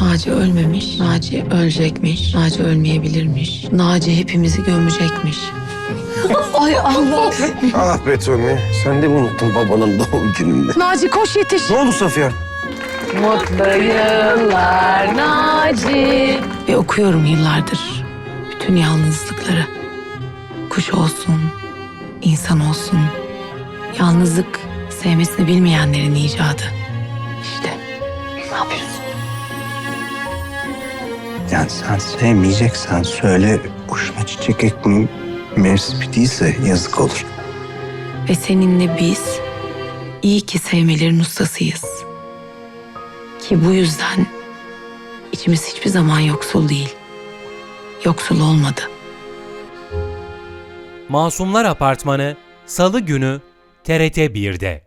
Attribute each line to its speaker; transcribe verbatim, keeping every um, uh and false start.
Speaker 1: Naci ölmemiş, Naci ölecekmiş, Naci ölmeyebilirmiş, Naci hepimizi gömecekmiş. Ay Allah!
Speaker 2: Ah be Tommy, sen de mi unuttun babanın doğum gününde?
Speaker 1: Naci koş yetiş.
Speaker 2: Ne oldu Safiye?
Speaker 1: Mutlu yıllar Naci. Ve okuyorum yıllardır bütün yalnızlıkları. Kuş olsun, insan olsun. Yalnızlık sevmesini bilmeyenlerin icadı. İşte ne yapıyorsun?
Speaker 3: Yani sen sevmeyeceksen söyle, kuşuna çiçek ekmeyeyim. Mevsimi değilse yazık olur.
Speaker 1: Ve seninle biz iyi ki sevmelerin ustasıyız. Ki bu yüzden içimiz hiçbir zaman yoksul değil. Yoksul olmadı.
Speaker 4: Masumlar Apartmanı Salı günü T R T bir'de.